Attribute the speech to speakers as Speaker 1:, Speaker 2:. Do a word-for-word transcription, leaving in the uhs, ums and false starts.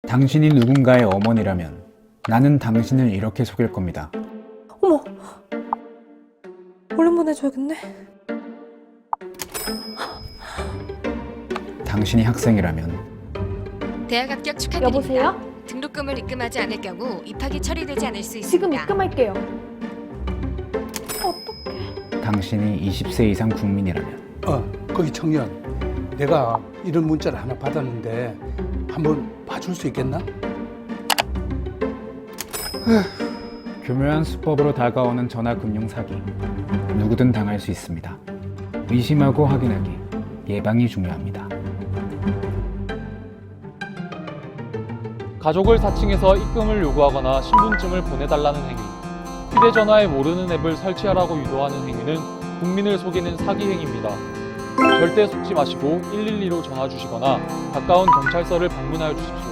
Speaker 1: 당신이 누군가의 어머니라면 나는 당신을 이렇게 속일 겁니다.
Speaker 2: 어머! 얼른 보내줘야겠네.
Speaker 1: 당신이 학생이라면
Speaker 3: 대학 합격 축하드립니다.
Speaker 4: 여보세요?
Speaker 3: 등록금을 입금하지 않을 경우 입학이 처리되지 않을 수 있습니다.
Speaker 4: 지금 입금할게요. 어떡해.
Speaker 1: 당신이 이십 세 이상 국민이라면
Speaker 5: 어, 거기 청년. 내가 이런 문자를 하나 받았는데 한번 봐줄 수 있겠나?
Speaker 1: 교묘한 수법으로 다가오는 전화금융 사기. 누구든 당할 수 있습니다. 의심하고 확인하기. 예방이 중요합니다.
Speaker 6: 가족을 사칭해서 입금을 요구하거나 신분증을 보내달라는 행위, 휴대전화에 모르는 앱을 설치하라고 유도하는 행위는 국민을 속이는 사기 행위입니다. 절대 속지 마시고 일일이로 전화 주시거나 가까운 경찰서를 방문하여 주십시오.